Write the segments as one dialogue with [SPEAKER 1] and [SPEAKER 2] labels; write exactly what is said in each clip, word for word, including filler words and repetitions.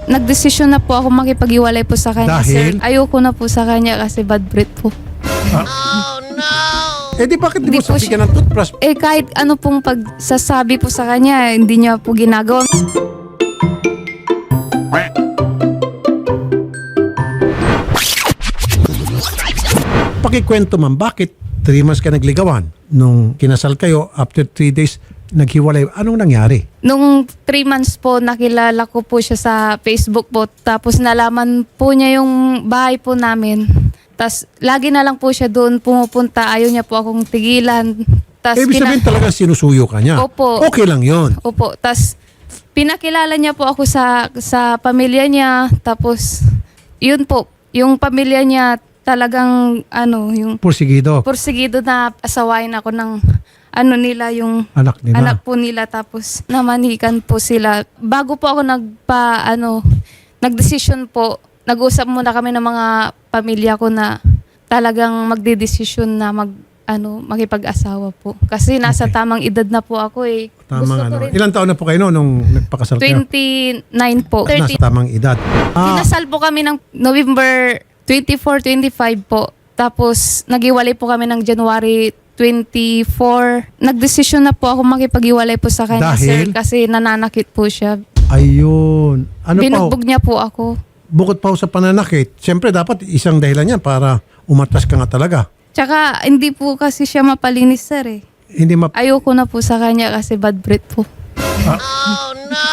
[SPEAKER 1] nagdesisyon na po ako makipag-iwalay po sa kanya,
[SPEAKER 2] Dahil?
[SPEAKER 1] sir. Ayoko na po sa kanya kasi bad breath po.
[SPEAKER 2] Eh di bakit di
[SPEAKER 1] Di
[SPEAKER 2] mo
[SPEAKER 1] po
[SPEAKER 2] sabihin ng toothbrush?
[SPEAKER 1] Eh kahit ano pong pagsasabi po sa kanya, hindi niya po ginagawa.
[SPEAKER 2] Pakikwento man, bakit three months ka nagligawan? Nung kinasal kayo, after three days, naghiwalay. Anong nangyari?
[SPEAKER 1] Nung three months po, nakilala ko po siya sa Facebook po. Tapos nalaman po niya yung bahay po namin. Tapos lagi na lang po siya doon pumupunta. Ayaw niya po akong tigilan. Tas
[SPEAKER 2] Eh, ibig
[SPEAKER 1] pina-
[SPEAKER 2] sabihin talaga sinusuyo ka niya.
[SPEAKER 1] Opo.
[SPEAKER 2] Okay lang yon.
[SPEAKER 1] Opo. Tapos pinakilala niya po ako sa sa pamilya niya. Tapos yun po, yung pamilya niya talagang ano, yung
[SPEAKER 2] Porsigido.
[SPEAKER 1] porsigido na asawain ako ng ano nila, yung
[SPEAKER 2] Anak nila.
[SPEAKER 1] anak po nila. Tapos namanikan po sila. Bago po ako nagpa ano, nagdesisyon po, nag-usap muna kami ng mga pamilya ko na talagang magdedesisyon na mag ano, makipag-asawa po. Kasi nasa
[SPEAKER 2] Okay.
[SPEAKER 1] tamang edad na po ako eh.
[SPEAKER 2] Tamang
[SPEAKER 1] Gusto
[SPEAKER 2] ano.
[SPEAKER 1] ko rin.
[SPEAKER 2] Ilang taon na po kayo no, nung nagpakasal kayo?
[SPEAKER 1] twenty-nine po.
[SPEAKER 2] Nasa
[SPEAKER 1] thirty.
[SPEAKER 2] tamang edad. Ah,
[SPEAKER 1] Kinasal po kami ng November twenty-four, twenty-five po. Tapos naghiwalay po kami ng January twenty-four. Nagdesisyon na po ako makipag-iwalay po sa kanya,
[SPEAKER 2] Dahil?
[SPEAKER 1] sir. Kasi nananakit po siya.
[SPEAKER 2] ayun. Ano pa ho?
[SPEAKER 1] Binugbog niya po ako.
[SPEAKER 2] Bukod pa ho sa pananakit, siyempre dapat isang dahilan yan para umatras ka nga talaga.
[SPEAKER 1] Tsaka hindi po kasi siya mapalinis, sir eh.
[SPEAKER 2] Hindi map...
[SPEAKER 1] Ayoko na po sa kanya kasi bad breath po.
[SPEAKER 2] Ah.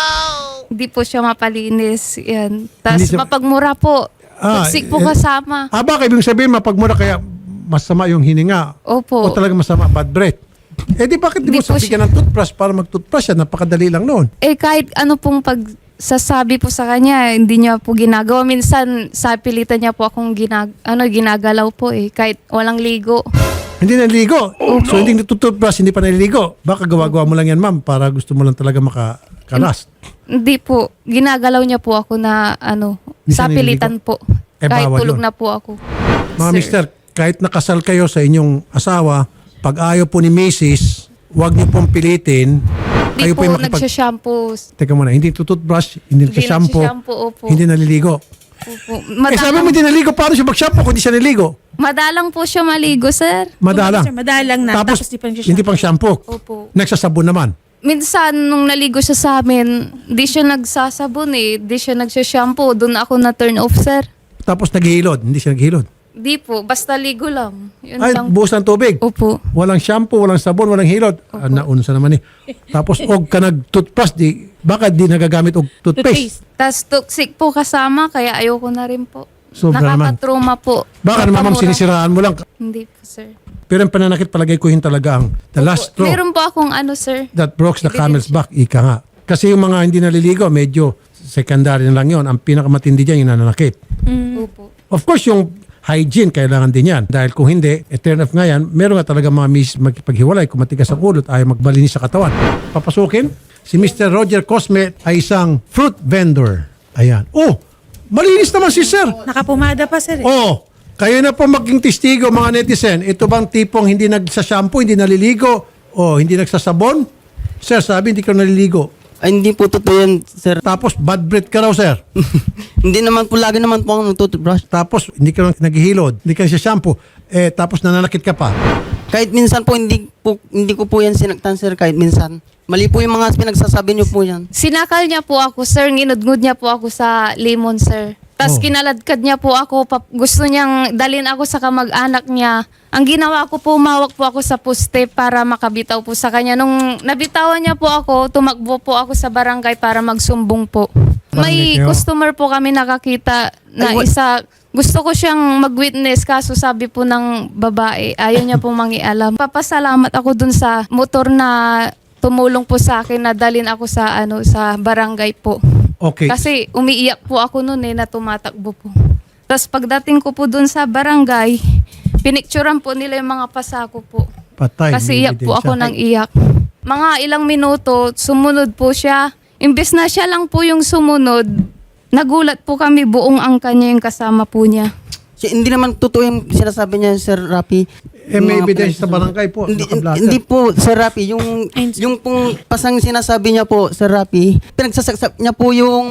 [SPEAKER 1] Hindi po siya mapalinis. Yan.
[SPEAKER 2] Hindi
[SPEAKER 1] Tapos
[SPEAKER 2] siya-
[SPEAKER 1] mapagmura po.
[SPEAKER 2] Ah,
[SPEAKER 1] Toxic po
[SPEAKER 2] eh,
[SPEAKER 1] kasama.
[SPEAKER 2] Ah, baka ibig sabihin mapagmura kaya masama yung hininga
[SPEAKER 1] Opo.
[SPEAKER 2] o talaga masama bad breath. Eh di bakit di
[SPEAKER 1] Di
[SPEAKER 2] mo
[SPEAKER 1] po
[SPEAKER 2] sabihin ng toothbrush para mag-toothbrush yan? Napakadali lang noon.
[SPEAKER 1] Eh kahit ano pong pagsasabi po sa kanya, hindi niya po ginagawa. Minsan sa pilitan niya po akong ginag ano, ginagalaw po eh. Kahit walang ligo.
[SPEAKER 2] Hindi naliligo. So hindi nagtutoothbrush, hindi pa naliligo. Baka gawa-gawa mo lang yan, ma'am, para gusto mo lang talaga makakalas.
[SPEAKER 1] Hindi po. Ginagalaw niya po ako na ano,
[SPEAKER 2] Hindi
[SPEAKER 1] sa
[SPEAKER 2] siya naliligo?
[SPEAKER 1] pilitan po.
[SPEAKER 2] Eh,
[SPEAKER 1] kahit
[SPEAKER 2] bawal
[SPEAKER 1] tulog
[SPEAKER 2] yun.
[SPEAKER 1] na po ako.
[SPEAKER 2] Mga
[SPEAKER 1] Sir.
[SPEAKER 2] mister, kahit nakasal kayo sa inyong asawa, pag ayaw po ni missus, huwag niyo pong pilitin.
[SPEAKER 1] Hindi
[SPEAKER 2] Kayo
[SPEAKER 1] po
[SPEAKER 2] po yung makipag...
[SPEAKER 1] nagsha-shampoo.
[SPEAKER 2] Teka muna, hindi tututbrush, hindi
[SPEAKER 1] Hindi
[SPEAKER 2] nagsashampoo,
[SPEAKER 1] nagsha-shampoo, opo.
[SPEAKER 2] hindi naliligo.
[SPEAKER 1] Opo.
[SPEAKER 2] Eh sabi mo
[SPEAKER 1] Madalang,
[SPEAKER 2] hindi naliligo, paano siya mag-shampoo kung hindi siya naliligo?
[SPEAKER 1] madalang po siya maligo, sir.
[SPEAKER 2] Madalang.
[SPEAKER 3] Sir, madalang na.
[SPEAKER 2] Tapos,
[SPEAKER 3] Tapos, di pa nagsha-shampoo.
[SPEAKER 2] hindi pang shampoo.
[SPEAKER 1] Opo.
[SPEAKER 2] Nagsasabon naman.
[SPEAKER 1] Minsan, nung naligo siya sa amin, di siya nagsasabon eh. Di siya nagsha-shampoo. Doon ako na turn off, sir.
[SPEAKER 2] Tapos naghihilod, hindi siya naghihilod.
[SPEAKER 1] Di po. Basta ligo lang. Yun
[SPEAKER 2] Ay,
[SPEAKER 1] lang.
[SPEAKER 2] buhos ng tubig.
[SPEAKER 1] Opo.
[SPEAKER 2] Walang shampoo, walang sabon, walang hilod. Ah, naunsa naman eh. Tapos, og ka nag-toothbrush, di, baka di nagagamit og toothpaste.
[SPEAKER 3] Toothpaste.
[SPEAKER 1] Tas toxic po kasama, kaya ayoko na rin po.
[SPEAKER 2] Sobra naman.
[SPEAKER 1] Nakakatrauma po.
[SPEAKER 2] Baka naman, ma'am,
[SPEAKER 1] Napamura.
[SPEAKER 2] sinisiraan mo lang.
[SPEAKER 1] Hindi po, sir.
[SPEAKER 2] Pero ang pananakit palagay ko yun talaga ang the last straw
[SPEAKER 1] Meron po akong ano, sir.
[SPEAKER 2] that breaks the camel's back, ika nga. Kasi yung mga hindi naliligo, medyo secondary na lang yun. Ang pinakamatindi dyan, yung nananakit.
[SPEAKER 1] Opo.
[SPEAKER 2] Of course, yung hygiene, kailangan din yan. Dahil kung hindi, eh, turn off nga yan, meron nga talaga mga miss magpaghiwalay, kung matigas ang ulo at ayaw magbalinis sa katawan. Papasukin, si Mister Roger Cosme ay isang fruit vendor. Ayan. Oh, malinis naman si Sir.
[SPEAKER 3] Nakapumada pa, sir. Eh.
[SPEAKER 2] Oh, kayo na po maging testigo mga netizen. Ito bang tipong hindi nagsashampoo, hindi naliligo, o hindi nagsasabon? Sir, sabi hindi ka naliligo.
[SPEAKER 4] Ay, hindi po totoo yan, sir.
[SPEAKER 2] Tapos bad breath ka raw, sir.
[SPEAKER 4] Hindi naman po, lagi naman po ako nagtutubrush.
[SPEAKER 2] Tapos hindi ka naghihilod, hindi ka shampoo. Eh, tapos nananakit ka pa.
[SPEAKER 4] Kahit minsan po, hindi, po, hindi ko po yan sinaktan, sir, kahit minsan. Mali po yung mga pinagsasabi niyo po yan.
[SPEAKER 1] Sinakal niya po ako, sir. Nginudngud niya po ako sa lemon, sir. Tapos
[SPEAKER 2] Oh.
[SPEAKER 1] kinaladkad niya po ako. Pap- gusto niyang dalhin ako sa kamag-anak niya. Ang ginawa ko po, umawak po ako sa poste para makabitaw po sa kanya. Nung nabitawan niya po ako, tumakbo po ako sa barangay para magsumbong po. May
[SPEAKER 2] Barangay kayo?
[SPEAKER 1] customer po kami nakakita na
[SPEAKER 4] Ay, wa-
[SPEAKER 1] isa. Gusto ko siyang mag-witness kaso sabi po ng babae, ayaw niya po mangialam. Papasalamat ako dun sa motor na tumulong po sa akin na dalhin ako sa ano sa barangay po.
[SPEAKER 2] Okay.
[SPEAKER 1] Kasi umiiyak po ako noon eh na tumatakbo po. Tapos pagdating ko po dun sa barangay, pinicturean po nila yung mga pasako po.
[SPEAKER 2] Patay.
[SPEAKER 1] Kasi
[SPEAKER 2] may
[SPEAKER 1] iyak po
[SPEAKER 2] ebidensya.
[SPEAKER 1] ako ng iyak. Mga ilang minuto, sumunod po siya. Imbes na siya lang po yung sumunod, nagulat po kami buong angka niya yung kasama po niya.
[SPEAKER 4] Si- hindi naman totoo yung sinasabi niya, Sir Rapi.
[SPEAKER 2] Eh, may
[SPEAKER 4] Mga
[SPEAKER 2] ebidensya sa
[SPEAKER 4] pinagsasabi-
[SPEAKER 2] barangay po.
[SPEAKER 4] Hindi,
[SPEAKER 2] nakablatter.
[SPEAKER 4] hindi po, Sir Rapi. Yung,
[SPEAKER 3] Ayun, sir.
[SPEAKER 4] yung pong pasang sinasabi niya po, Sir Rapi, pinagsasaksak niya po yung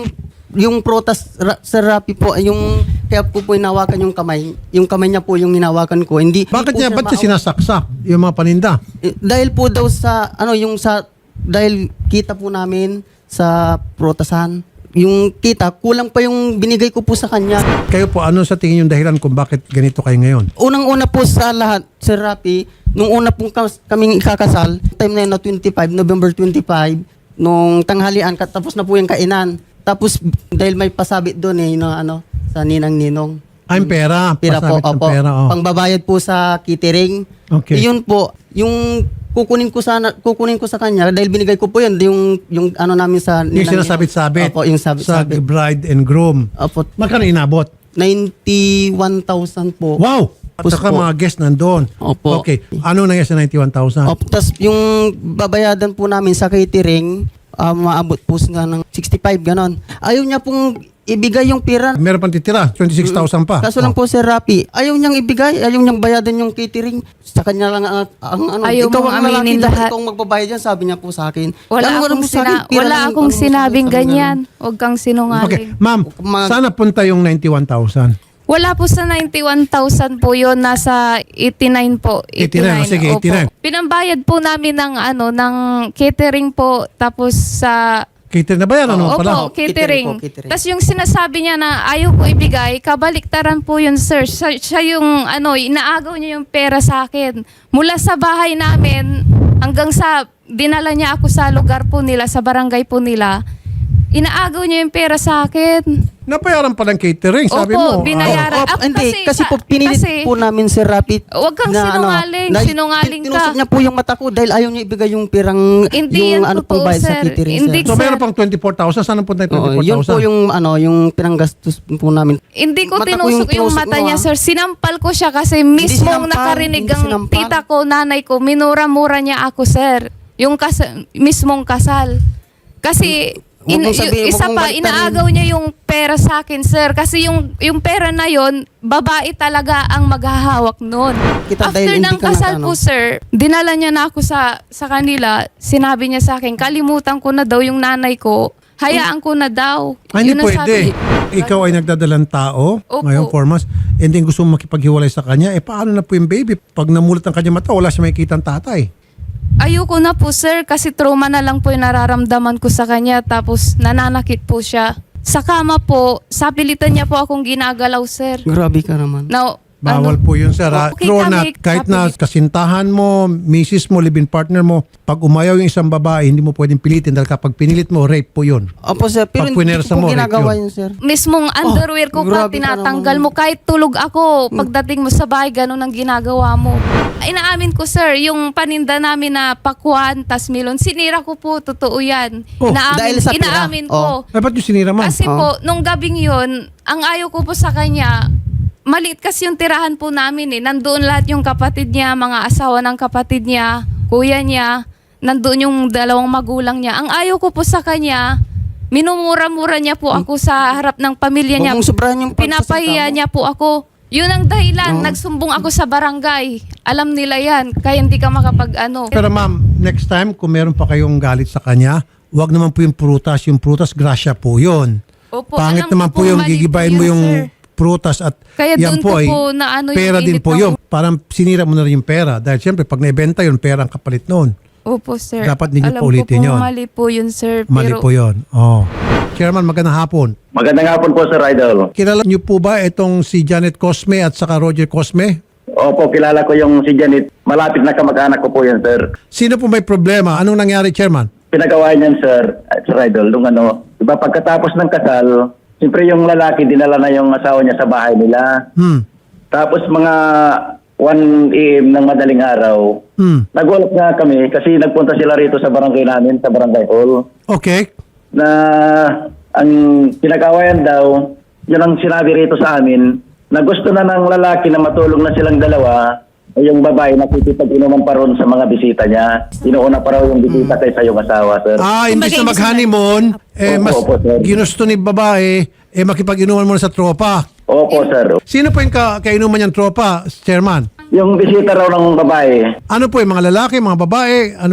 [SPEAKER 4] yung protas, ra, Sir Rapi po, yung kaya ko po hinawakan yung kamay. Yung kamay niya po yung hinawakan ko. Hindi,
[SPEAKER 2] Bakit
[SPEAKER 4] hindi
[SPEAKER 2] niya,
[SPEAKER 4] po
[SPEAKER 2] ba't niya
[SPEAKER 4] siya
[SPEAKER 2] sinasaksak yung mga paninda?
[SPEAKER 4] maawa- Eh, dahil po daw sa, ano, yung sa, dahil kita po namin sa protasan. Yung kita, kulang pa yung binigay ko po sa kanya.
[SPEAKER 2] Kayo po, ano sa tingin yung dahilan kung bakit ganito kayo ngayon?
[SPEAKER 4] Unang-una po sa lahat, Sir Rapi, nung una pong kas- kaming ikakasal, time na yun na twenty-five, November twenty-five, nung tanghalian, kat- tapos na po yung kainan. Tapos, dahil may pasabit doon eh, no, ano, sa ninang ninong.
[SPEAKER 2] Ay, pera.
[SPEAKER 4] Pira po,
[SPEAKER 2] Pasabit ng
[SPEAKER 4] opo.
[SPEAKER 2] pera, oh.
[SPEAKER 4] Pangbabayad po sa catering.
[SPEAKER 2] Okay.
[SPEAKER 4] Iyon po, yung kukunin ko sana kukunin ko sa kanya dahil binigay ko po yun yung yung ano namin sa
[SPEAKER 2] Yung
[SPEAKER 4] ninang-
[SPEAKER 2] sinasabit-sabit
[SPEAKER 4] Opo, yung
[SPEAKER 2] sa
[SPEAKER 4] sabit-sabit.
[SPEAKER 2] bride and groom.
[SPEAKER 4] Opo,
[SPEAKER 2] Magkano inabot?
[SPEAKER 4] ninety-one thousand po.
[SPEAKER 2] Wow! At
[SPEAKER 4] Tapos
[SPEAKER 2] saka
[SPEAKER 4] po-
[SPEAKER 2] mga guest nandun.
[SPEAKER 4] Opo.
[SPEAKER 2] Okay. Ano nangyari sa ninety-one thousand?
[SPEAKER 4] Opo, tas yung babayadan po namin sa catering, ah, maabot po nga ng sixty-five ganon. Ayaw niya pong ibigay yung pera.
[SPEAKER 2] Meron pang titira, twenty-six thousand pa.
[SPEAKER 4] Kaso lang
[SPEAKER 2] Oh.
[SPEAKER 4] po, Sir Rapi, ayaw niyang ibigay, ayaw niyang bayadan yung catering. Sa kanya lang ang, ang ano,
[SPEAKER 1] Ayaw
[SPEAKER 4] ikaw
[SPEAKER 1] mong
[SPEAKER 4] ang lalaki,
[SPEAKER 1] aminin
[SPEAKER 4] dapat
[SPEAKER 1] lahat.
[SPEAKER 4] ikaw ang magbabayad yan, sabi niya po sa akin.
[SPEAKER 1] Wala
[SPEAKER 4] Ano,
[SPEAKER 1] akong,
[SPEAKER 4] ano mo sa akin?
[SPEAKER 1] sina-
[SPEAKER 4] Pera
[SPEAKER 1] wala
[SPEAKER 4] lang,
[SPEAKER 1] akong
[SPEAKER 4] ano mo sa akin?
[SPEAKER 1] sinabing
[SPEAKER 4] Sabi niya
[SPEAKER 1] ganyan. Huwag kang sinungaling.
[SPEAKER 2] Okay. Ma'am,
[SPEAKER 4] Mag-
[SPEAKER 2] sana punta yung ninety-one thousand.
[SPEAKER 1] Wala po sa ninety-one thousand po yun, nasa eighty-nine po.
[SPEAKER 2] eighty-nine, sige,
[SPEAKER 1] Opo.
[SPEAKER 2] eighty-nine.
[SPEAKER 1] Pinambayad po namin ng ano ng catering po, tapos sa
[SPEAKER 2] Cater na ba yan? Ano
[SPEAKER 1] Opo,
[SPEAKER 2] pala?
[SPEAKER 1] catering.
[SPEAKER 4] Catering po, catering.
[SPEAKER 1] Tapos yung sinasabi niya na ayaw ko ibigay, kabaliktaran po yun, sir. Siya, siya yung, ano, inaagaw niya yung pera sa akin. Mula sa bahay namin, hanggang sa, dinala niya ako sa lugar po nila, sa barangay po nila, inaagaw niya yung pera sa akin.
[SPEAKER 2] Napayaran pa ng catering, sabi
[SPEAKER 1] Opo,
[SPEAKER 2] mo.
[SPEAKER 1] binayaran.
[SPEAKER 2] Ah,
[SPEAKER 4] Opo,
[SPEAKER 1] Ah,
[SPEAKER 4] hindi,
[SPEAKER 1] kasi
[SPEAKER 4] kasi, po
[SPEAKER 1] sa-
[SPEAKER 4] pinilit
[SPEAKER 1] kasi-
[SPEAKER 4] po namin, Sir Rapi.
[SPEAKER 1] Huwag kang
[SPEAKER 4] na,
[SPEAKER 1] sinungaling,
[SPEAKER 4] dahil
[SPEAKER 1] sinungaling
[SPEAKER 4] tin- tinusok
[SPEAKER 1] ka.
[SPEAKER 4] niya po yung mata ko dahil ayaw niya ibigay yung pirang,
[SPEAKER 1] Hindi
[SPEAKER 4] yung
[SPEAKER 1] yan
[SPEAKER 4] ano
[SPEAKER 1] totoo,
[SPEAKER 4] pong bayad sa
[SPEAKER 1] sir.
[SPEAKER 4] catering,
[SPEAKER 1] Hindi
[SPEAKER 4] sir.
[SPEAKER 2] so
[SPEAKER 1] sir.
[SPEAKER 2] meron pang twenty-four thousand. Saan napunta yung
[SPEAKER 4] Oo,
[SPEAKER 2] twenty-four
[SPEAKER 4] yun po
[SPEAKER 2] thousand?
[SPEAKER 4] yung ano, yung pinanggastos po namin.
[SPEAKER 1] Hindi ko
[SPEAKER 4] Mata ko
[SPEAKER 1] tinusok yung,
[SPEAKER 4] tinusok
[SPEAKER 1] mata
[SPEAKER 4] mo,
[SPEAKER 1] niya,
[SPEAKER 4] ah.
[SPEAKER 1] sir. Sinampal ko siya kasi mismong
[SPEAKER 4] sinampal,
[SPEAKER 1] nakarinig
[SPEAKER 4] hindi
[SPEAKER 1] ang
[SPEAKER 4] sinampal.
[SPEAKER 1] tita ko, nanay ko, minura-mura niya ako, sir. Yung kas- mismong kasal. Kasi
[SPEAKER 4] Huwag
[SPEAKER 1] in-
[SPEAKER 4] mong sabihin,
[SPEAKER 1] y- isa
[SPEAKER 4] huwag mong
[SPEAKER 1] pa,
[SPEAKER 4] baliktarin.
[SPEAKER 1] inaagaw niya yung pera sa akin, sir. Kasi yung, yung pera na yon, babae talaga ang maghahawak nun.
[SPEAKER 4] Kita
[SPEAKER 1] After
[SPEAKER 4] dahil hindi
[SPEAKER 1] ng
[SPEAKER 4] ka
[SPEAKER 1] kasal
[SPEAKER 4] nakano.
[SPEAKER 1] po, sir, dinala niya na ako sa, sa kanila. Sinabi niya sa akin, kalimutan ko na daw yung nanay ko. Hayaan ko na daw.
[SPEAKER 2] Ah, hindi
[SPEAKER 1] Yun ang
[SPEAKER 2] pwede.
[SPEAKER 1] sabi.
[SPEAKER 2] Ikaw ay nagdadalang tao,
[SPEAKER 1] Opo.
[SPEAKER 2] ngayong four months, and then gusto mo makipaghiwalay sa kanya, eh paano na po yung baby? Pag namulat ang kanya mata, wala siya makikita ang tatay.
[SPEAKER 1] Ayoko na po, sir, kasi trauma na lang po yung nararamdaman ko sa kanya, tapos nananakit po siya. Sa kama po, sa pilitan niya po akong ginagalaw, sir.
[SPEAKER 4] Grabe ka naman.
[SPEAKER 1] Now,
[SPEAKER 2] Bawal
[SPEAKER 1] ano,
[SPEAKER 2] po yun, sir. ha?
[SPEAKER 1] Okay
[SPEAKER 2] True
[SPEAKER 1] kami,
[SPEAKER 2] na kahit na
[SPEAKER 1] kapilit.
[SPEAKER 2] kasintahan mo, misis mo, live-in partner mo, pag umayaw yung isang babae, hindi mo pwedeng pilitin dahil kapag pinilit mo, rape po yun.
[SPEAKER 4] Opo, sir, pero
[SPEAKER 2] Pag
[SPEAKER 4] hindi
[SPEAKER 2] punersa
[SPEAKER 4] ko
[SPEAKER 2] mo,
[SPEAKER 4] po
[SPEAKER 2] rape
[SPEAKER 4] ginagawa
[SPEAKER 2] yun.
[SPEAKER 4] yun, sir.
[SPEAKER 1] mismong underwear ko pa,
[SPEAKER 4] Oh, grabe ka
[SPEAKER 1] tinatanggal
[SPEAKER 4] naman.
[SPEAKER 1] mo. Kahit tulog ako, pagdating mo sa bahay, ganun ang ginagawa mo. Inaamin ko, sir, yung paninda namin na pakwan, tas milon, sinira ko po, totoo yan.
[SPEAKER 2] Oh,
[SPEAKER 1] inaamin,
[SPEAKER 4] dahil sa pera?
[SPEAKER 1] inaamin
[SPEAKER 4] Oh.
[SPEAKER 1] ko.
[SPEAKER 2] Ay, ba't yung sinira, ma'am?
[SPEAKER 1] Kasi
[SPEAKER 4] Oh.
[SPEAKER 1] po, nung gabing yun, ang ayaw ko po sa kanya, maliit kasi yung tirahan po namin eh. Nandoon lahat yung kapatid niya, mga asawa ng kapatid niya, kuya niya, nandoon yung dalawang magulang niya. Ang ayaw ko po sa kanya, minumura-mura niya po ako sa harap ng pamilya niya.
[SPEAKER 4] Huwag mong sobrahan yung pagsasalita
[SPEAKER 1] Pinapahiya
[SPEAKER 4] mo.
[SPEAKER 1] niya po ako. Yun ang dahilan,
[SPEAKER 4] Oo.
[SPEAKER 1] nagsumbong ako sa barangay. Alam nila yan, kaya hindi ka makapag ano.
[SPEAKER 2] Pero ma'am, next time, kung meron pa kayong galit sa kanya, wag naman po yung prutas. Yung prutas, grasya po yun.
[SPEAKER 1] Opo,
[SPEAKER 2] Pangit
[SPEAKER 1] alam
[SPEAKER 2] naman
[SPEAKER 1] ko
[SPEAKER 2] po yung
[SPEAKER 1] mali
[SPEAKER 2] gigibayin
[SPEAKER 1] yun,
[SPEAKER 2] mo yung
[SPEAKER 1] sir.
[SPEAKER 2] prutas at
[SPEAKER 1] Kaya
[SPEAKER 2] yan
[SPEAKER 1] doon
[SPEAKER 2] po
[SPEAKER 1] ko
[SPEAKER 2] ay
[SPEAKER 1] po na ano yung
[SPEAKER 2] pera din
[SPEAKER 1] init
[SPEAKER 2] po
[SPEAKER 1] ng-
[SPEAKER 2] yun. Parang sinira mo na rin yung pera. Dahil siyempre, pag naibenta yun, pera ang kapalit noon.
[SPEAKER 1] Opo, sir.
[SPEAKER 2] Dapat hindi niyo
[SPEAKER 1] Alam
[SPEAKER 2] pa ulitin
[SPEAKER 1] ko po,
[SPEAKER 2] yun.
[SPEAKER 1] mali po yun, sir.
[SPEAKER 2] Mali
[SPEAKER 1] pero,
[SPEAKER 2] po yun. Oh. Chairman, magandang hapon.
[SPEAKER 3] Magandang hapon po, Sir Idol.
[SPEAKER 2] Kilala niyo po ba itong si Janet Cosme at saka Roger Cosme?
[SPEAKER 3] Opo, kilala ko yung si Janet. Malapit na kamag-anak ko po yan, sir.
[SPEAKER 2] Sino po may problema? Anong nangyari, Chairman?
[SPEAKER 3] Pinagawa niyan, sir, uh, Sir Idol, nung ano, diba pagkatapos ng kasal, siyempre yung lalaki, dinala na yung asawa niya sa bahay nila.
[SPEAKER 2] Hmm.
[SPEAKER 3] Tapos mga one a m ng madaling araw,
[SPEAKER 2] Hmm.
[SPEAKER 3] nagulat nga kami kasi nagpunta sila rito sa barangay namin, sa barangay hall,
[SPEAKER 2] Okay.
[SPEAKER 3] na ang pinag-awayan daw, yun ang sinabi rito sa amin, na gusto na ng lalaki na matulong na silang dalawa, ay yung babae nakikipag-inuman pa ron sa mga bisita niya. Inuuna pa raw yung bisita kaysa yung asawa, sir.
[SPEAKER 2] Ah, imbis na mag-honeymoon, eh,
[SPEAKER 3] Opo,
[SPEAKER 2] mas
[SPEAKER 3] opo, sir.
[SPEAKER 2] ginusto ni babae, eh, makipag-inuman muna sa tropa.
[SPEAKER 3] Opo, sir.
[SPEAKER 2] Sino po yung ka kainuman niyang tropa, Chairman?
[SPEAKER 3] Yung bisita raw ng babae,
[SPEAKER 2] Ano po yung mga lalaki, mga babae? Ano po yon?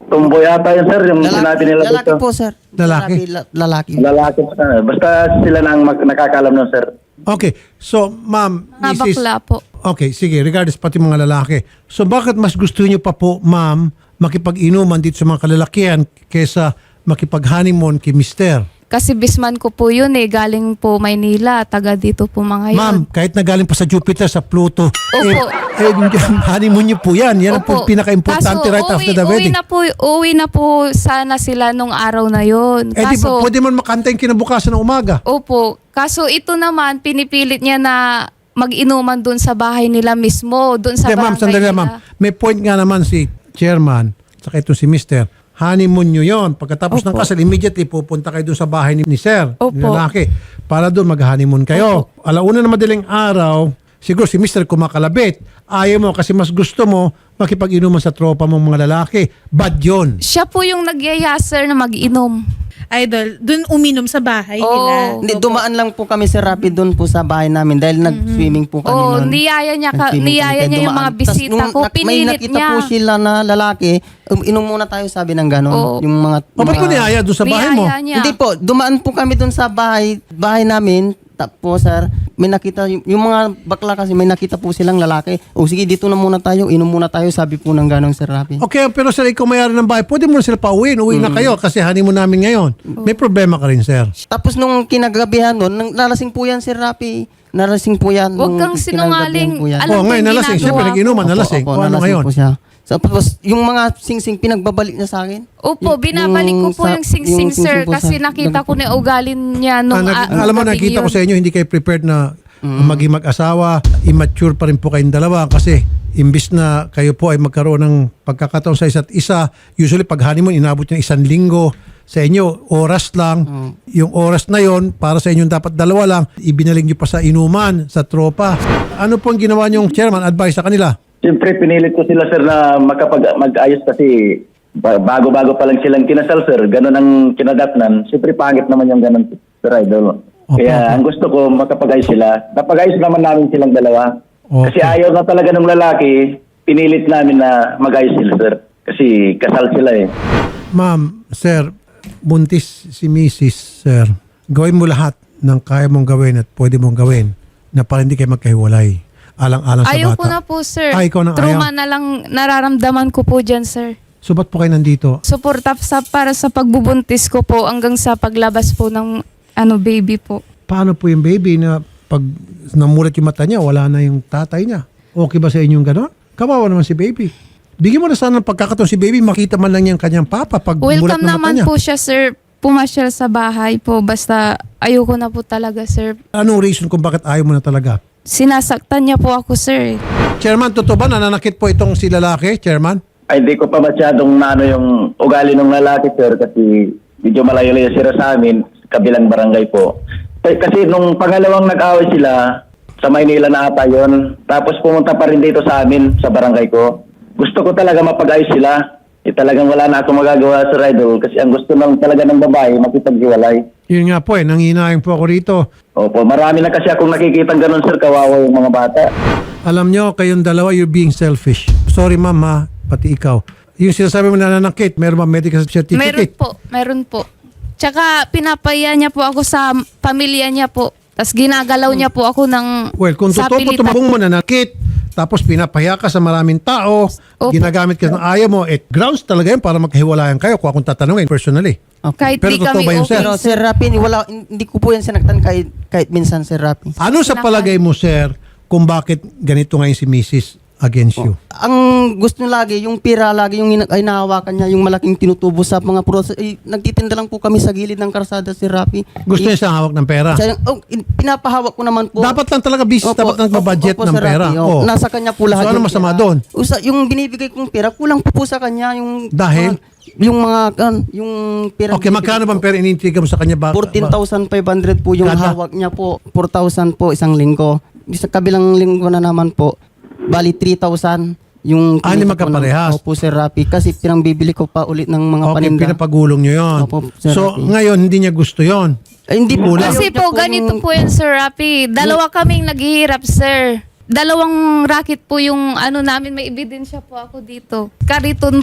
[SPEAKER 3] Tumboy ata yun, sir, yung sinabi nila
[SPEAKER 4] lalaki
[SPEAKER 3] dito.
[SPEAKER 4] po, sir.
[SPEAKER 2] Lalaki?
[SPEAKER 4] la- lalaki.
[SPEAKER 3] Lalaki. ah, basta sila na ang mag- nakakalam nun, sir.
[SPEAKER 2] Okay. So, ma'am,
[SPEAKER 1] Mga
[SPEAKER 2] Missus
[SPEAKER 1] bakla po.
[SPEAKER 2] Okay, sige. Regardless, pati mga lalaki. So, bakit mas gusto niyo pa po, ma'am, makipag-inuman dito sa mga kalalakihan kesa makipag-honeymoon kay mister?
[SPEAKER 1] Kasi bisman ko po yun eh. Galing po Maynila. Taga dito po mga yun.
[SPEAKER 2] Ma'am, kahit na galing pa sa Jupiter, sa Pluto,
[SPEAKER 1] Opo.
[SPEAKER 2] eh, eh, honeymoon niyo po yan. Yan ang po
[SPEAKER 1] Opo.
[SPEAKER 2] pinaka-importante
[SPEAKER 1] Kaso,
[SPEAKER 2] right
[SPEAKER 1] uwi,
[SPEAKER 2] after the
[SPEAKER 1] uwi
[SPEAKER 2] wedding.
[SPEAKER 1] na po, uwi na po sana sila nung araw na yun.
[SPEAKER 2] Eh, di ba,
[SPEAKER 1] Kaso,
[SPEAKER 2] pwede man makanta yung kinabukasan ng umaga.
[SPEAKER 1] opo. Kaso ito naman, pinipilit niya na mag-inuman doon sa bahay nila mismo. Doon sa
[SPEAKER 2] Hindi, ma'am,
[SPEAKER 1] barangay
[SPEAKER 2] sandali lang,
[SPEAKER 1] nila.
[SPEAKER 2] ma'am. May point nga naman si chairman, saka ito si mister. Honeymoon nyo yon. Pagkatapos ng
[SPEAKER 1] Opo.
[SPEAKER 2] kasal, immediately pupunta kayo doon sa bahay ni, ni sir,
[SPEAKER 1] Opo.
[SPEAKER 2] ni lalaki, para doon mag-honeymoon kayo. Alauna na madaling araw, siguro si mister kumakalabit. Ayaw mo kasi mas gusto mo makipag-inuman sa tropa mong mga lalaki. Bad yun.
[SPEAKER 1] Siya po yung nagyaya, sir, na mag-inom.
[SPEAKER 5] Idol, dun uminom sa bahay
[SPEAKER 1] Oo.
[SPEAKER 5] nila.
[SPEAKER 4] Hindi, dumaan lang po kami, Sir Rapi, doon po sa bahay namin dahil nag-swimming po kami
[SPEAKER 1] Oo,
[SPEAKER 4] noon.
[SPEAKER 1] niyaya niya, ka,
[SPEAKER 4] Nag-swimming
[SPEAKER 1] niyaya
[SPEAKER 4] kami,
[SPEAKER 1] niya yung
[SPEAKER 4] dumaan.
[SPEAKER 1] mga bisita
[SPEAKER 4] Tas nung
[SPEAKER 1] ko.
[SPEAKER 4] nak- May
[SPEAKER 1] Pinilit
[SPEAKER 4] nakita
[SPEAKER 1] niya.
[SPEAKER 4] po sila na lalaki, um, inom muna tayo, sabi ng gano'n.
[SPEAKER 1] Oo.
[SPEAKER 4] Yung mga...
[SPEAKER 2] O, ba't ko
[SPEAKER 4] mga-
[SPEAKER 2] niyaya doon sa bahay mo?
[SPEAKER 1] Niyaya niya.
[SPEAKER 4] Hindi po, dumaan po kami doon sa bahay, bahay namin. Tapos, sir, may nakita, yung, yung mga bakla kasi may nakita po silang lalaki. O sige, dito na muna tayo, inom muna tayo, sabi po ng gano'ng Sir Rapi.
[SPEAKER 2] Okay, pero sir, ikaw mayari ng bahay, pwede mo na sila pauwiin. Uwi na kayo kasi honeymoon namin ngayon. May problema ka rin, sir.
[SPEAKER 4] Tapos nung kinagabihan doon, nang nalasing po yan, Sir Rapi. Nalasing po yan.
[SPEAKER 1] Huwag
[SPEAKER 4] nung
[SPEAKER 1] kang
[SPEAKER 4] kinagabihan
[SPEAKER 1] sinungaling.
[SPEAKER 4] po yan.
[SPEAKER 1] Alam
[SPEAKER 2] Oh,
[SPEAKER 1] ko
[SPEAKER 2] ngayon
[SPEAKER 1] yung
[SPEAKER 2] nalasing.
[SPEAKER 1] ginagawa
[SPEAKER 2] Siyempre,
[SPEAKER 1] ko.
[SPEAKER 2] nag-inuman, nalasing.
[SPEAKER 4] Opo,
[SPEAKER 2] O, ano
[SPEAKER 4] nalasing
[SPEAKER 2] ngayon?
[SPEAKER 4] po siya. So, tapos, yung mga singsing pinagbabalik niya sa akin.
[SPEAKER 1] Opo,
[SPEAKER 4] Yung-
[SPEAKER 1] binabalik ko po
[SPEAKER 4] sa-
[SPEAKER 1] yung sing-sing,
[SPEAKER 4] yung
[SPEAKER 1] sir,
[SPEAKER 4] singsing po
[SPEAKER 1] kasi
[SPEAKER 4] sa-
[SPEAKER 1] nakita ko na ugalin niya nung...
[SPEAKER 2] Ah, nag-
[SPEAKER 1] ah,
[SPEAKER 2] alam mo,
[SPEAKER 1] gabing
[SPEAKER 2] nakita ko
[SPEAKER 1] yun.
[SPEAKER 2] sa inyo, hindi kayo prepared na maging mag-asawa. Immature pa rin po kayong dalawa kasi imbis na kayo po ay magkaroon ng pagkakataon sa isa't isa, usually pag honeymoon, inabot yung isang linggo. Sa inyo, oras lang. Yung oras na yon para sa inyo dapat dalawa lang, ibinaling nyo pa sa inuman, sa tropa. Ano po ang ginawa niyong chairman? Advice sa kanila?
[SPEAKER 3] Siyempre, pinilit ko sila, sir, na makapag mag-ayos kasi ba- bago-bago pa lang silang kinasal, sir. Ganon ang kinadatnan. Siyempre, pangit naman yung ganon, sir, idol.
[SPEAKER 2] Okay,
[SPEAKER 3] Kaya
[SPEAKER 2] okay.
[SPEAKER 3] ang gusto ko, makapag-ayos sila. Napag-ayos naman namin silang dalawa.
[SPEAKER 2] Okay.
[SPEAKER 3] Kasi ayaw na talaga ng lalaki, pinilit namin na mag-ayos sila, sir. Kasi kasal sila eh.
[SPEAKER 2] Ma'am, sir, buntis si Missus Sir. Gawin mo lahat ng kaya mong gawin at pwede mong gawin na para hindi kayo magkahiwalay. Alang-alang sa
[SPEAKER 1] Ayaw
[SPEAKER 2] bata.
[SPEAKER 1] ko na po, sir.
[SPEAKER 2] Ah, ikaw nang
[SPEAKER 1] Trauma
[SPEAKER 2] ayaw.
[SPEAKER 1] na lang nararamdaman ko po dyan, sir.
[SPEAKER 2] So, ba't po kayo nandito?
[SPEAKER 1] Suporta sa, para sa pagbubuntis ko po hanggang sa paglabas po ng ano baby po.
[SPEAKER 2] Paano po yung baby na pag namulat yung mata niya, wala na yung tatay niya? Okay ba sa inyong gano'n? Kawawa naman si baby. Bigyan mo na sana ng pagkakataon si baby, makita man lang yung kanyang papa pag mulat
[SPEAKER 1] Welcome
[SPEAKER 2] ng mata
[SPEAKER 1] naman
[SPEAKER 2] niya.
[SPEAKER 1] po siya, sir. Pumasyal sa bahay po. Basta ayoko na po talaga, sir.
[SPEAKER 2] Anong reason kung bakit ayaw mo na talaga?
[SPEAKER 1] Sinasaktan niya po ako, sir.
[SPEAKER 2] Chairman, totoo ba nananakit po itong si lalaki, Chairman?
[SPEAKER 3] Ay, di ko pa masyadong naano yung ugali ng lalaki, sir, kasi medyo malayo-layo sila sa amin, kabilang barangay po. K- Kasi nung pangalawang nag-away sila, sa Maynila na ata yun, tapos pumunta pa rin dito sa amin, sa barangay ko. Gusto ko talaga mapag-ayos sila. Eh, talagang wala na akong magagawa, Sir Idol, kasi ang gusto lang talaga ng babae, makipaghiwalay.
[SPEAKER 2] Yun nga po eh, nanginayang po ako rito.
[SPEAKER 3] Opo, marami na kasi akong nakikitang ganun, sir, kawawa yung mga bata.
[SPEAKER 2] Alam nyo, kayong dalawa, you're being selfish. Sorry ma'am ha, pati ikaw. Yung sinasabi mo nananakit, meron ba medical
[SPEAKER 1] Meron
[SPEAKER 2] certificate?
[SPEAKER 1] po, meron po. Tsaka pinapaya niya po ako sa pamilya niya po. Tapos ginagalaw niya po ako ng
[SPEAKER 2] Well, kung totoo po
[SPEAKER 1] sapilitan.
[SPEAKER 2] tumabong mo nanakit, tapos pinapaya ka sa maraming tao,
[SPEAKER 1] Opo.
[SPEAKER 2] ginagamit ka ng ayaw mo, it grounds talaga yun para magkahiwalayan kayo kung akong tatanungin personally.
[SPEAKER 1] Kahit
[SPEAKER 2] Pero
[SPEAKER 1] di
[SPEAKER 2] totoo
[SPEAKER 1] kami
[SPEAKER 2] ba yun,
[SPEAKER 1] okay.
[SPEAKER 2] sir?
[SPEAKER 4] Pero Sir Rapi, wala, hindi ko po yan sinaktan kahit, kahit minsan, Sir Rapi.
[SPEAKER 2] Ano sa palagay mo, sir, kung bakit ganito ngayon si Missus against you?
[SPEAKER 4] Ang gusto niya lagi, yung pira lagi, yung ina- ay nahawakan niya, yung malaking tinutubo sa mga prosa. Eh, nagtitinda lang po kami sa gilid ng karsada, Sir Rapi.
[SPEAKER 2] Gusto
[SPEAKER 4] Eh,
[SPEAKER 2] niya siyang hawak ng pera.
[SPEAKER 4] siya, oh, in- pinapahawak ko naman po.
[SPEAKER 2] Dapat lang talaga business,
[SPEAKER 4] Opo,
[SPEAKER 2] dapat lang magbudget
[SPEAKER 4] opo,
[SPEAKER 2] ng
[SPEAKER 4] Sir
[SPEAKER 2] pera.
[SPEAKER 4] Rafi, oh.
[SPEAKER 2] Oh.
[SPEAKER 4] Nasa kanya po lahat.
[SPEAKER 2] So ano
[SPEAKER 4] yung
[SPEAKER 2] masama
[SPEAKER 4] pera.
[SPEAKER 2] doon?
[SPEAKER 4] Usa, yung binibigay kong pera, kulang po po sa kanya. Yung,
[SPEAKER 2] Dahil?
[SPEAKER 4] mga- yung mga, kan, yung pera.
[SPEAKER 2] Okay, magkano bang pera inintriga mo sa kanya? Ba-
[SPEAKER 4] fourteen
[SPEAKER 2] ba-
[SPEAKER 4] thousand five hundred po yung
[SPEAKER 2] Kada?
[SPEAKER 4] hawak niya po. four thousand po isang linggo. Sa kabilang linggo na naman po, bali three thousand. Yung
[SPEAKER 2] Ah, hindi
[SPEAKER 4] kinita po ng-
[SPEAKER 2] magkaparehas.
[SPEAKER 4] Opo, Sir Rapi. Kasi pinang bibili ko pa ulit ng mga
[SPEAKER 2] Okay,
[SPEAKER 4] paninda.
[SPEAKER 2] pinapagulong nyo yun.
[SPEAKER 4] Opo, Sir
[SPEAKER 2] So,
[SPEAKER 4] Rafi.
[SPEAKER 2] ngayon, hindi niya gusto yon.
[SPEAKER 4] Ay, hindi po.
[SPEAKER 2] Kulang.
[SPEAKER 1] Kasi
[SPEAKER 4] Ayaw
[SPEAKER 1] po,
[SPEAKER 4] niya
[SPEAKER 1] ganito
[SPEAKER 4] yung-
[SPEAKER 1] po yan, Sir Rapi. Dalawa kaming naghihirap, sir. Dalawang racket po yung ano namin, may ebidensya po ako dito. Kariton po,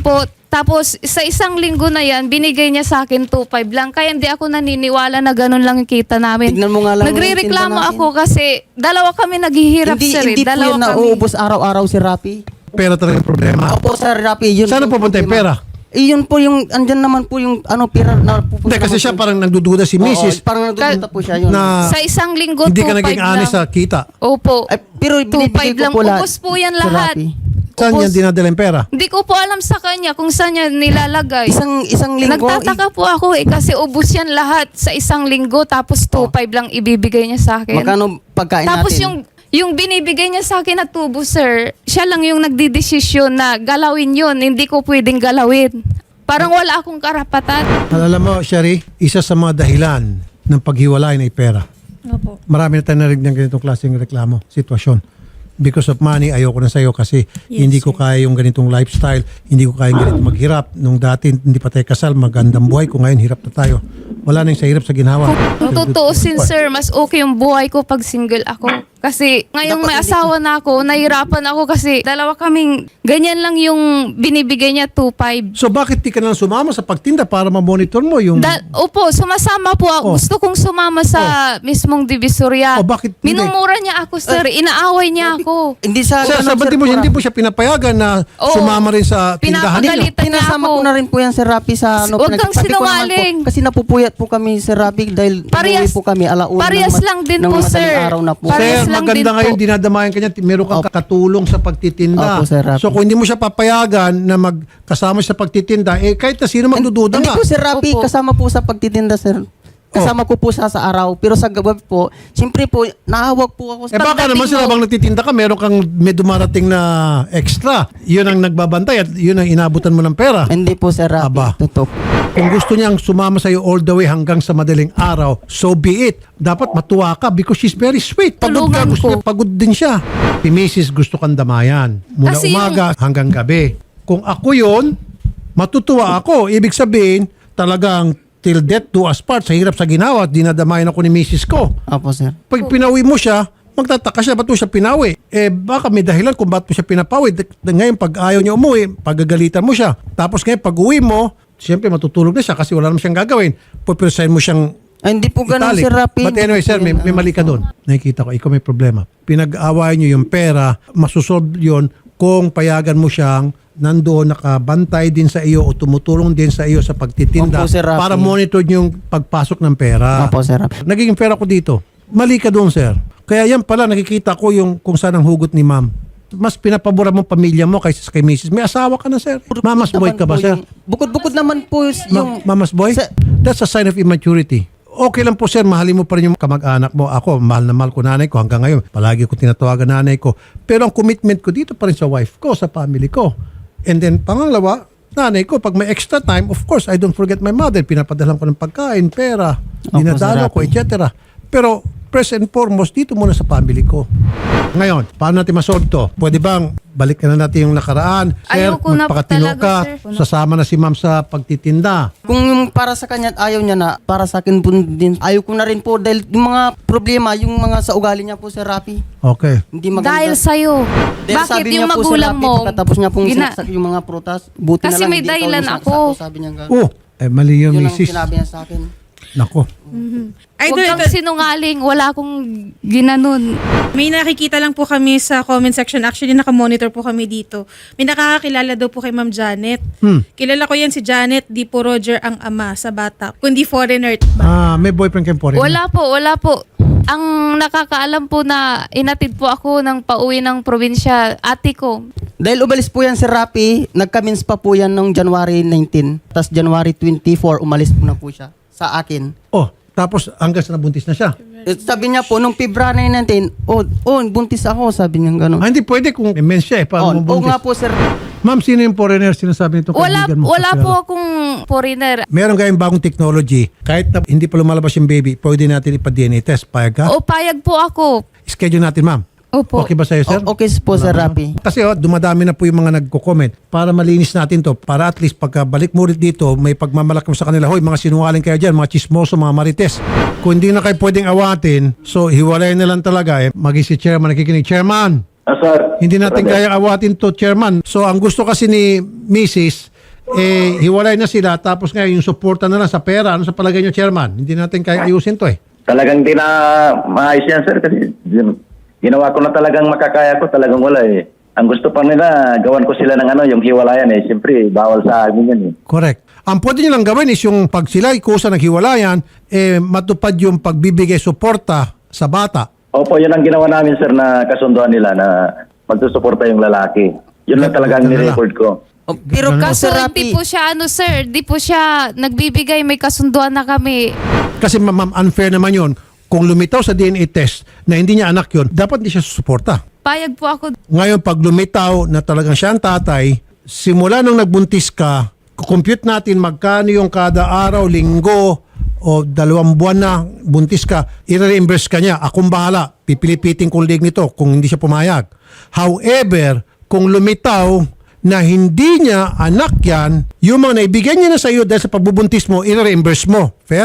[SPEAKER 1] Tapos sa isang linggo na yan, binigay niya sa akin two five lang. Kaya hindi ako naniniwala na ganun lang yung kita namin.
[SPEAKER 4] Tignan mo nga lang yung
[SPEAKER 1] Nagre-reklamo
[SPEAKER 4] tinda natin.
[SPEAKER 1] ako kasi dalawa kami naghihirap,
[SPEAKER 4] Hindi,
[SPEAKER 1] sir. eh.
[SPEAKER 4] hindi po
[SPEAKER 1] Dalawa
[SPEAKER 4] yun
[SPEAKER 1] kami.
[SPEAKER 4] nauubos araw-araw si Rapi.
[SPEAKER 2] Pera talaga yung problema.
[SPEAKER 4] Opo, Sir Rapi. Yun
[SPEAKER 2] Saan
[SPEAKER 4] po
[SPEAKER 2] pupunta yung
[SPEAKER 4] problema.
[SPEAKER 2] pera?
[SPEAKER 4] Eh, yun po yung, andyan naman po yung, ano, pera na pupunta.
[SPEAKER 2] Hindi, kasi
[SPEAKER 4] naman
[SPEAKER 2] siya
[SPEAKER 4] po.
[SPEAKER 2] parang nagdududa si
[SPEAKER 4] Oo,
[SPEAKER 2] missus
[SPEAKER 4] parang nagdududa po siya yun.
[SPEAKER 2] na
[SPEAKER 1] Sa isang linggo,
[SPEAKER 2] hindi ka
[SPEAKER 1] two
[SPEAKER 2] naging
[SPEAKER 1] five
[SPEAKER 2] honest sa
[SPEAKER 1] lang.
[SPEAKER 2] kita.
[SPEAKER 1] Opo.
[SPEAKER 4] Ay, pero
[SPEAKER 1] two
[SPEAKER 4] binibigay
[SPEAKER 1] five
[SPEAKER 4] ko
[SPEAKER 1] lang.
[SPEAKER 4] po lahat.
[SPEAKER 1] Ubus po yan
[SPEAKER 4] Sir
[SPEAKER 1] lahat.
[SPEAKER 4] Rapi.
[SPEAKER 2] Saan
[SPEAKER 1] Ubus.
[SPEAKER 2] niya dinadala yung pera?
[SPEAKER 1] Hindi ko po alam sa kanya kung saan niya nilalagay.
[SPEAKER 4] Isang, isang linggo.
[SPEAKER 1] Nagtataka po ako eh kasi ubus yan lahat sa isang linggo tapos two five lang ibibigay niya sa akin.
[SPEAKER 4] Magkano pagkain
[SPEAKER 1] Tapos
[SPEAKER 4] natin?
[SPEAKER 1] yung yung binibigay niya sa akin na tubo, sir, siya lang yung nagdidesisyon na galawin yun. Hindi ko pwedeng galawin. Parang wala akong karapatan.
[SPEAKER 2] Alam mo, Sherry, isa sa mga dahilan ng paghiwalay ay pera.
[SPEAKER 5] Opo.
[SPEAKER 2] Marami na tayo narinig ng ganitong klaseng reklamo, sitwasyon. Because of money, ayoko na sa'yo kasi
[SPEAKER 5] Yes,
[SPEAKER 2] hindi ko
[SPEAKER 5] sir.
[SPEAKER 2] kaya yung ganitong lifestyle, hindi ko kaya yung ganitong maghirap. Nung dati, hindi pa tayo kasal, magandang buhay ko. Ngayon, hirap na tayo. Wala na yung sa hirap sa ginawa.
[SPEAKER 1] Kung tutuusin, sir, mas okay yung buhay ko pag single ako. Kasi ngayong
[SPEAKER 4] Dapat
[SPEAKER 1] may
[SPEAKER 4] hindi-
[SPEAKER 1] asawa na ako, nahirapan ako kasi dalawa kaming, ganyan lang yung binibigay niya, two five.
[SPEAKER 2] So bakit di ka na lang sumama sa pagtinda para ma-monitor mo yung...
[SPEAKER 1] Da- Opo, sumasama po ako.
[SPEAKER 2] Oh.
[SPEAKER 1] Gusto kong sumama sa mismong divisoria.
[SPEAKER 2] Oh, bakit hindi?
[SPEAKER 1] Minumura niya ako, sir. Inaaway niya ako.
[SPEAKER 4] Hindi sa...
[SPEAKER 2] Sir, sa
[SPEAKER 4] ganun,
[SPEAKER 2] mo,
[SPEAKER 4] Pura.
[SPEAKER 2] hindi po siya pinapayagan na
[SPEAKER 1] Oo.
[SPEAKER 2] sumama rin sa tindahan ninyo.
[SPEAKER 1] Pinapagalit. Niya
[SPEAKER 4] Pinasama
[SPEAKER 1] ako.
[SPEAKER 4] ko na rin po yan, Sir Rapi, sa ano.
[SPEAKER 1] Huwag kang
[SPEAKER 4] pinagsabi ko naman
[SPEAKER 1] sinungaling.
[SPEAKER 4] Po, kasi napupuyat po kami, Sir Rapi, dahil
[SPEAKER 1] Parehas-
[SPEAKER 4] umuwi po kami alauna.
[SPEAKER 1] parehas
[SPEAKER 4] ng ma-
[SPEAKER 1] lang din
[SPEAKER 4] ng
[SPEAKER 1] po,
[SPEAKER 4] madaling
[SPEAKER 1] sir.
[SPEAKER 4] araw na po.
[SPEAKER 1] Parehas
[SPEAKER 2] Sir,
[SPEAKER 1] lang
[SPEAKER 2] maganda
[SPEAKER 1] din
[SPEAKER 2] ngayon,
[SPEAKER 1] po.
[SPEAKER 2] dinadamayan kanya, meron kang
[SPEAKER 4] Opo.
[SPEAKER 2] katulong sa pagtitinda.
[SPEAKER 4] Opo, Sir Rafi.
[SPEAKER 2] So kung hindi mo siya papayagan na magkasama sa pagtitinda, eh kahit na sino magdududa
[SPEAKER 4] Hindi
[SPEAKER 2] nga.
[SPEAKER 4] po, Sir Rapi,
[SPEAKER 1] Opo.
[SPEAKER 4] kasama po sa pagtitinda, Sir. Kasama ko po siya sa araw. Pero sa gabi po, siyempre po, nahawag po ako.
[SPEAKER 2] Eh baka
[SPEAKER 1] Pagdating
[SPEAKER 2] naman sila
[SPEAKER 1] mo-
[SPEAKER 2] bang nagtitinda ka, meron kang may dumarating na extra. Yun ang nagbabantay at yun ang inabutan mo ng pera.
[SPEAKER 4] Hindi po, Sir Rapi.
[SPEAKER 2] Aba.
[SPEAKER 4] Totoo.
[SPEAKER 2] Kung gusto niyang sumama sa'yo all the way hanggang sa madaling araw, so be it. Dapat matuwa ka because she's very sweet. Pagod ka,
[SPEAKER 1] Tulungan
[SPEAKER 2] gusto
[SPEAKER 1] ko.
[SPEAKER 2] niya, pagod din siya. Si missus gusto kang damayan. Mula
[SPEAKER 1] Kasi yung-
[SPEAKER 2] umaga hanggang gabi. Kung ako yun, matutuwa ako. Ibig sabihin, talagang till death do us part. Sa hirap sa ginawa, dinadamayan ako ni missus ko.
[SPEAKER 4] Opo, Sir.
[SPEAKER 2] Pag pinawi mo siya, magtataka siya, ba't mo siya pinawi? Eh, baka may dahilan kung ba't mo siya pinapawi. D- Ngayon, pag ayaw niya umuwi, pagagalitan mo siya. Tapos ngayon, pag uwi mo, siyempre matutulog na siya kasi wala naman siyang gagawin. Pupiresahin mo siyang
[SPEAKER 4] Ay, hindi po ganun,
[SPEAKER 2] italic.
[SPEAKER 4] Sir Rapi.
[SPEAKER 2] But anyway, sir, may, may mali ka doon. Nakikita ko, ikaw may problema. Pinag-awayan niyo yung pera, masusolve yun kung payagan mo siyang nandoon nakabantay din sa iyo o tumutulong din sa iyo sa pagtitinda
[SPEAKER 4] Opo, Sir Rafi.
[SPEAKER 2] para monitor niyo yung pagpasok ng pera.
[SPEAKER 4] Opo, Sir Rapi.
[SPEAKER 2] Nagiging pera ko dito. Mali ka doon, sir. Kaya yan pala, nakikita ko yung kung saan ang hugot ni ma'am. Mas pinapabura mo pamilya mo kaysa sa kay missus. May asawa ka na, sir. Mama's boy ka ba,
[SPEAKER 4] Naman po
[SPEAKER 2] sir?
[SPEAKER 4] yung- Bukod-bukod naman po yung...
[SPEAKER 2] Ma- mama's boy?
[SPEAKER 4] Sa-
[SPEAKER 2] That's a sign of immaturity. Okay lang po, sir. Mahalin mo pa rin yung kamag-anak mo. Ako, mahal na mahal ko nanay ko hanggang ngayon. Palagi ko tinatawagan nanay ko. Pero ang commitment ko dito pa rin sa wife ko, sa family ko. And then, pangalawa, nanay ko, pag may extra time, of course, I don't forget my mother. Pinapadalan ko ng pagkain, pera, dinadalo ko,
[SPEAKER 4] Sir Rafi.
[SPEAKER 2] et cetera. Pero, first and foremost, dito muna sa family ko. Ngayon, paano natin masolve to? Pwede bang balik na natin yung nakaraan? Sir,
[SPEAKER 1] Ayoko na po
[SPEAKER 2] magpakatino
[SPEAKER 1] talaga,
[SPEAKER 2] ka,
[SPEAKER 1] sir.
[SPEAKER 2] sasama na si ma'am sa pagtitinda.
[SPEAKER 4] Kung yung para sa kanya at ayaw niya na, para sa akin po din, ayaw ko na rin po dahil yung mga problema, yung mga sa ugali niya po, Sir Rapi,
[SPEAKER 2] Okay.
[SPEAKER 4] hindi maganda.
[SPEAKER 1] Dahil sa'yo.
[SPEAKER 4] Dahil
[SPEAKER 1] Bakit
[SPEAKER 4] sabi
[SPEAKER 1] yung
[SPEAKER 4] niya po, Sir
[SPEAKER 1] magulang
[SPEAKER 4] Rapi,
[SPEAKER 1] mo?
[SPEAKER 4] pagkatapos niya pong
[SPEAKER 1] gina-
[SPEAKER 4] sinaksak yung mga prutas, buti
[SPEAKER 1] Kasi
[SPEAKER 4] na lang
[SPEAKER 1] may
[SPEAKER 4] hindi ikaw
[SPEAKER 1] dahilan
[SPEAKER 4] yung sinaksak
[SPEAKER 1] ako.
[SPEAKER 4] ko, sabi niya gano'n.
[SPEAKER 2] Oh, eh mali yung
[SPEAKER 4] Yun ang
[SPEAKER 2] misis.
[SPEAKER 4] sinabi niya sa akin.
[SPEAKER 2] Nako.
[SPEAKER 1] Huwag
[SPEAKER 5] Idol,
[SPEAKER 1] kang
[SPEAKER 5] ito-
[SPEAKER 1] sinungaling. Wala akong ginanon.
[SPEAKER 5] may nakikita lang po kami sa comment section. Actually, nakamonitor po kami dito. May nakakakilala daw po kay Ma'am Janet.
[SPEAKER 2] Hmm.
[SPEAKER 5] Kilala ko yan si Janet, di po Roger ang ama sa bata. Kundi foreigner ba?
[SPEAKER 2] Ah, may boyfriend kayong foreigner?
[SPEAKER 1] Wala po, wala po. Ang nakakaalam po na inatid po ako ng pauwi ng probinsya, ate ko.
[SPEAKER 4] Dahil umalis po yan si Rapi, nagkamins pa po yan noong January nineteen. Tapos January twenty-four, umalis po na po siya sa akin.
[SPEAKER 2] Oh, tapos hanggang sa nabuntis na siya.
[SPEAKER 4] Eh, sabi niya po, nung February nineteen, oh, oh, buntis ako, sabi niya gano'n.
[SPEAKER 2] Ah, hindi pwede kung immense siya eh.
[SPEAKER 4] Oh,
[SPEAKER 2] Paano
[SPEAKER 4] oh,
[SPEAKER 2] mabuntis?
[SPEAKER 4] nga po, sir.
[SPEAKER 2] Ma'am, sino yung foreigner sinasabi nito?
[SPEAKER 1] Wala,
[SPEAKER 2] kaibigan mo sa
[SPEAKER 1] wala
[SPEAKER 2] pera?
[SPEAKER 1] po akong foreigner.
[SPEAKER 2] Meron kayong bagong technology. Kahit na hindi pa lumalabas yung baby, pwede natin ipa-D N A test. Payag ka?
[SPEAKER 1] O payag po ako.
[SPEAKER 2] Schedule natin, ma'am.
[SPEAKER 1] Opo.
[SPEAKER 2] Okay ba sa'yo, sir?
[SPEAKER 4] O- okay po, Sir Rapi.
[SPEAKER 2] Kasi oh, dumadami na po yung mga nagko-comment para malinis natin to. Para at least pagkabalik mo ulit dito, may pagmamalaki mo sa kanila. Hoy, mga sinungaling kayo dyan, mga chismoso, mga marites. Kung hindi na kayo pwedeng awatin, so hiwalay na lang talaga eh. Maging si chairman nakikinig. Chairman,
[SPEAKER 3] Ah, sir.
[SPEAKER 2] hindi natin
[SPEAKER 3] Brother.
[SPEAKER 2] kaya awatin to, chairman. So ang gusto kasi ni missus, Eh, hiwalay na sila tapos ngayon yung suporta na lang sa pera. Ano sa palagay nyo, Chairman? Hindi natin kaya ayusin to eh.
[SPEAKER 3] Talagang di na maayos yan, sir, kasi gin- ginawa ko na talagang makakaya ko, talagang wala eh. Ang gusto pa nila, gawan ko sila ng ano, yung hiwalayan eh. Siyempre, bawal sa amin yan eh.
[SPEAKER 2] Correct. Ang pwede nyo lang gawin is yung pag sila kusa naghiwalayan, eh, matupad yung pagbibigay suporta sa bata.
[SPEAKER 3] Opo, yun ang ginawa namin, sir, na kasunduan nila na magsusuporta yung lalaki. Yun lang talaga ang
[SPEAKER 2] Ganun lang.
[SPEAKER 3] nirecord ko.
[SPEAKER 4] Oh, pero
[SPEAKER 1] Kaso
[SPEAKER 4] Sir
[SPEAKER 1] hindi
[SPEAKER 4] Rapi,
[SPEAKER 1] po siya ano sir, hindi po siya nagbibigay, may kasunduan na kami.
[SPEAKER 2] Kasi ma- ma'am, unfair naman yun. Kung lumitaw sa D N A test na hindi niya anak yun, dapat hindi siya susuporta.
[SPEAKER 1] Payag po ako.
[SPEAKER 2] Ngayon, pag lumitaw na talagang siya ang tatay, simula nung nagbuntis ka, compute natin magkano yung kada araw, linggo, o dalawang buwan na buntis ka, i-reimburse ka niya. Akong bahala, pipilipitin kong leg nito kung hindi siya pumayag. However, kung lumitaw na hindi niya anak yan, yung mga naibigyan niya na sa iyo dahil sa pagbubuntis mo, i-reimburse mo. Fair?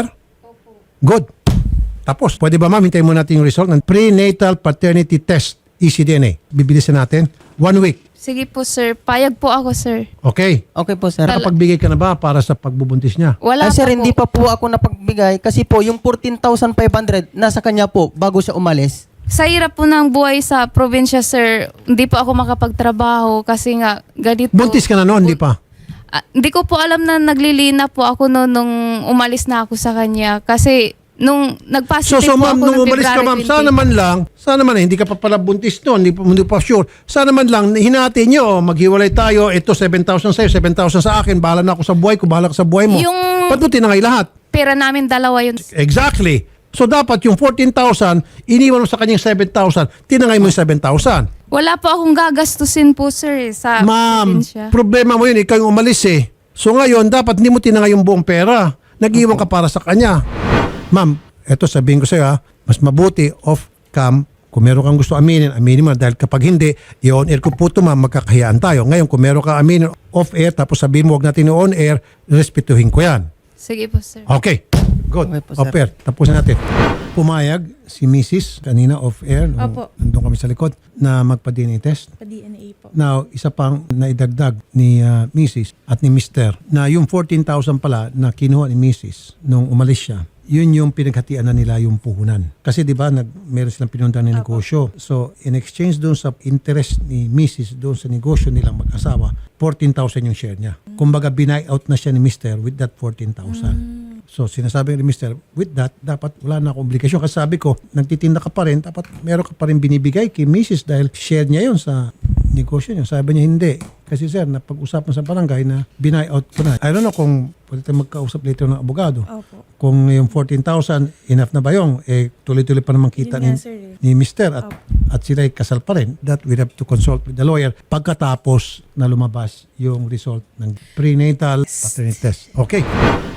[SPEAKER 2] Good. Tapos, pwede ba ma'am, hintayin mo natin yung result ng prenatal paternity test, E C D N A. Bibilisan natin. One week.
[SPEAKER 1] Sige po sir, payag po ako sir.
[SPEAKER 2] Okay.
[SPEAKER 4] okay po, sir.
[SPEAKER 2] Nakapagbigay ka na ba para sa pagbubuntis niya?
[SPEAKER 1] Wala
[SPEAKER 4] Ay, sir,
[SPEAKER 1] pa
[SPEAKER 4] hindi
[SPEAKER 1] po.
[SPEAKER 4] pa po ako napagbigay kasi po yung fourteen thousand five hundred nasa kanya po bago siya umalis.
[SPEAKER 1] Sa hirap po ng buhay sa probinsya sir, hindi po ako makapagtrabaho kasi nga ganito.
[SPEAKER 2] Buntis ka na noon, di pa?
[SPEAKER 1] Ah, hindi ko po alam na naglilina po ako noon nung umalis na ako sa kanya. Kasi nung
[SPEAKER 2] So,
[SPEAKER 1] nag-positive
[SPEAKER 2] so
[SPEAKER 1] po
[SPEAKER 2] ma'am,
[SPEAKER 1] ako
[SPEAKER 2] nung
[SPEAKER 1] ng
[SPEAKER 2] umalis ka
[SPEAKER 1] February
[SPEAKER 2] ma'am,
[SPEAKER 1] twenty.
[SPEAKER 2] sana man lang, sana man, eh, hindi ka pa pala buntis noon, hindi, pa- hindi pa sure. Sana man lang, hinati nyo, maghiwalay tayo, ito seven thousand sa'yo, seven thousand sa akin, bahala na ako sa buhay ko, bahala ka sa buhay mo.
[SPEAKER 1] Yung-
[SPEAKER 2] Ba't mo tinangay lahat?
[SPEAKER 1] Pera namin dalawa yun.
[SPEAKER 2] Exactly. So dapat yung fourteen thousand, iniwan mo sa kanyang seven thousand, tinangay mo yung seven thousand.
[SPEAKER 1] Wala po akong gagastusin po sir eh, sa
[SPEAKER 2] Ma'am,
[SPEAKER 1] probinsya.
[SPEAKER 2] problema mo yun, ikaw yung umalis eh. So ngayon, dapat hindi mo tinangay yung buong pera. Nag-iwan ka para sa kanya. Ma'am, eto sabihin ko sa'yo ha, mas mabuti off-cam. Kung meron kang gusto aminin, aminin mo. Dahil kapag hindi, i-on air ko po ito ma'am, magkakahiyaan tayo. Ngayon, kung meron kang aminin off-air, tapos sabihin mo, huwag natin i-on air, respetuhin ko yan.
[SPEAKER 1] Sige po sir.
[SPEAKER 2] Okay. Good.
[SPEAKER 4] Okay po, sir.
[SPEAKER 2] Off-air. Tapusin natin. Pumayag si Missus kanina off-air. nung
[SPEAKER 5] Opo.
[SPEAKER 2] Nandun kami sa likod na magpa-D N A test.
[SPEAKER 5] Pa-D N A po.
[SPEAKER 2] Now, isa pang naidagdag ni uh, Missus at ni Mister na yung fourteen thousand pala na kinuha ni Missus nung umalis siya, yun yung pinaghatian na nila yung puhunan. Kasi di ba, nag, meron silang pinuntahan ng negosyo. So, in exchange doon sa interest ni Missus doon sa negosyo nilang mag-asawa, fourteen thousand yung share niya. Kumbaga, binay out na siya ni Mister with that fourteen thousand. So, sinasabi ni Mister, with that, dapat wala na akong obligasyon. Kasi sabi ko, nagtitinda ka pa rin, dapat meron ka pa rin binibigay kay Missus dahil share niya yun sa negosyo niya. Sabi niya, hindi. Kasi sir, napag-usapan sa barangay na binay out ko na. I don't know kung pwede tayo magkausap later ng abogado.
[SPEAKER 5] Opo.
[SPEAKER 2] Kung yung fourteen thousand, enough na ba yung? Eh, tuloy-tuloy pa naman kita
[SPEAKER 5] Yun
[SPEAKER 2] ni,
[SPEAKER 5] nga, sir, eh.
[SPEAKER 2] ni Mister at, at sila'y kasal pa rin. That we have to consult with the lawyer pagkatapos na lumabas yung result ng prenatal paternity test. Okay.